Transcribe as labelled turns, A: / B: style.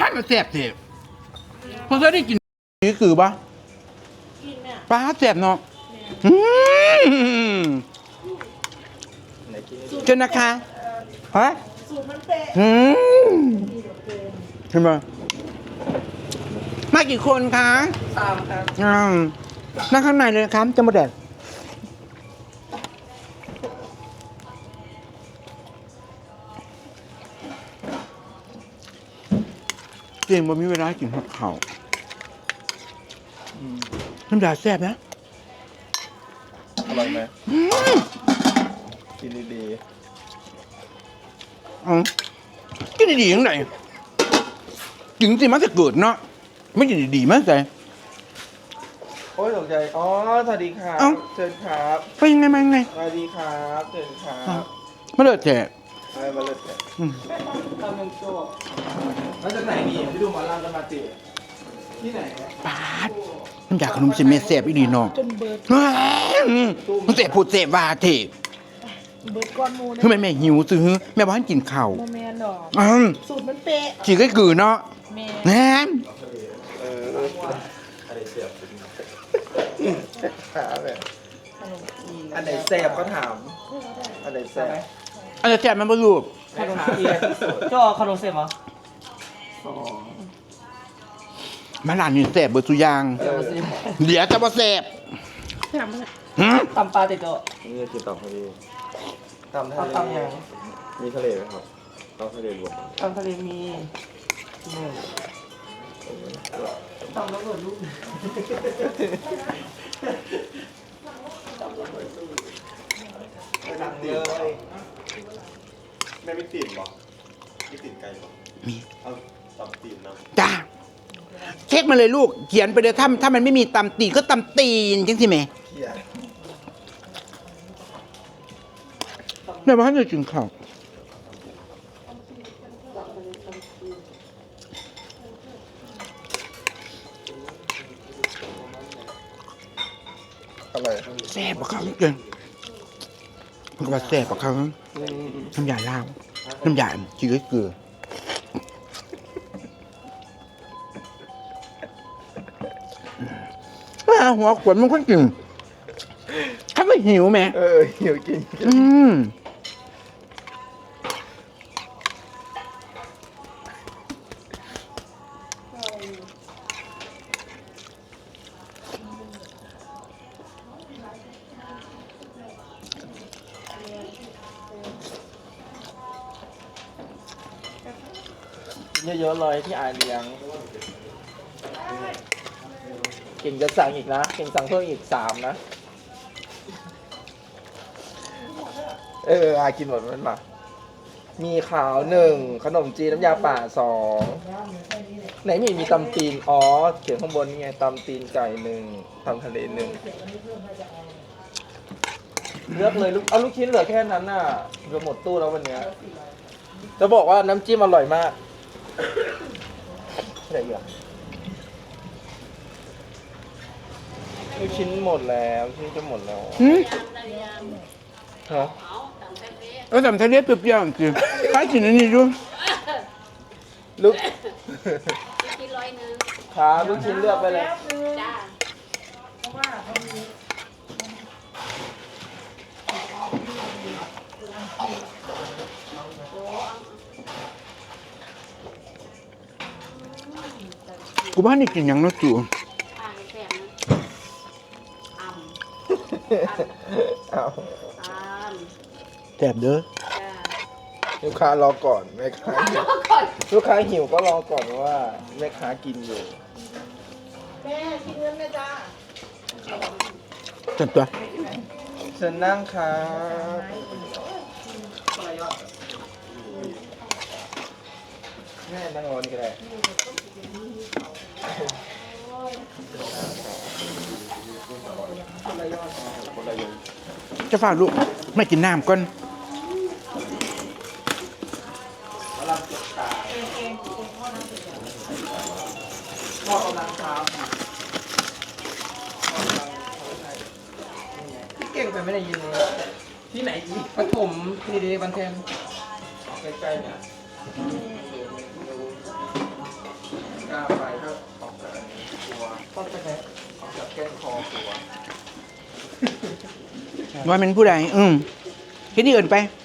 A: มันแสบเถอะพอเคยได้กินนี่คือปะปลาแสบเนาะเจ้านะคะฮะสูตรมันเป๊ะเห็นไหมมากี่คนคะ
B: 3 ครับ
A: นั่งข้างในเลยครับจะมาแดดเก่งบ่มีเวลากินผักเขาน้ำยาแซ่บนะ
B: อร่อยไหมกินดี
A: กินดีๆยังไงถึงสิมันจะเกิดเนาะไม่กินดีๆมั้งแต่
B: โอ้ยตกใจอ๋อสวัสดีครับเชิญครับ
A: ไปยังไงมายังไง
B: สวัสดีครับเชิญครับ
A: มาเลิศแจก
B: มาเลิศแจกทำเป็นโจ้มาจากไหนนี่พี่ดูหมอลำกันมาติที่ไหน
A: ปาดน้ำยาขนมเส้นเมสเสบอีดีเนาะจนเบิดมันเสพพูดเสพว่าเถอะ
C: เบิดก้อนมู
A: คือแม่หิวซื้อแม่บ้านกินข้าว
C: โมเมนต์ดอกสูตรมันเป๊ะ
A: จีก็คือเนาะแม่
B: อันไหนแซ่บก็ถามอันไหนแซ่บ
A: อันไหนแซ่บมันบ่รู้
B: ขนมเทียนเจ้าขนมเสร็จเหรอ
A: มาร้านนี้แซ่บเบิดทุกอย่างเดี๋ยวจะบ่แซ่บ
C: ตำปลาติดโต๊ะ
B: นี่คือตำทะเลตำยังมีทะเลไหมครับตำทะเลรวม
C: ตำทะเลมีตำแล้วเกิดลูก
B: เลยแม่ไม่ติดหรอไม่ติดไก่หรอ
A: มี
B: เอาตำตีนนะ
A: จ้าเช็คมาเลยลูกเขียนไปเลยถ้ามันไม่มีตำตีนก็ตำตีนจังสิแม่แม่บ้านจะกินข้าว
B: อะไร
A: แซ่บกว่าเขาเกินมันก็ว่าแซ่บกว่าเขาน้ำยาล่างน้ำยาจืดเกลือหัวขวดมันค่อนกินถ้าไม่หิวไหม
B: หิวกินเยอะๆเลยที่เลี้ยงเก่งจะสั่งอีกนะเก่งสั่งเพิ่มอีก3นะกินหมดมันมามีขาว1ขนมจีนน้ำยาป่า2ไหนมีตำตีนเขียนข้างบนนี่ไงตำตีนไก่1ตำทะเล1เลือกเลยเอาลูกชิ้นเหลือแค่นั้นน่ะจะหมดตู้แล้ววันนี้จะบอกว่าน้ำจิ้มอร่อยมากอะไรอยู่ลูกชิ้นหมดแล้วชิ้นจะหมดแล้วฮะ
A: ทำทะเลเปรี้ยวๆจริงใครกินอันนี้ดู
B: ลูกชิ้น100ครับลูกชิ้นเลือกไปเลยจ้า
A: กูบ้านนี่กินยังนะจู่แซ่บเด้อ
B: ลูกค้ารอก่อนแม่ค้าลูกค้าหิวก็รอก่อนว่าแม่ค้ากินอยู่
C: แม่กินเงินไหมจ้า
A: จัดตัว
B: เชิญนั่งครับแม่นั่งรอนี่ก็ได้
A: จะฝากลูกไม่กินน้ำก่อน
B: พี่เก่งแต่ไม่ได้ยินเลยที่ไหนอีกปฐมทีเดีบันเทนใกล้ๆเนี่ย
A: ว่าเป็นผู้ใดเฮ็ดนี่เอินไป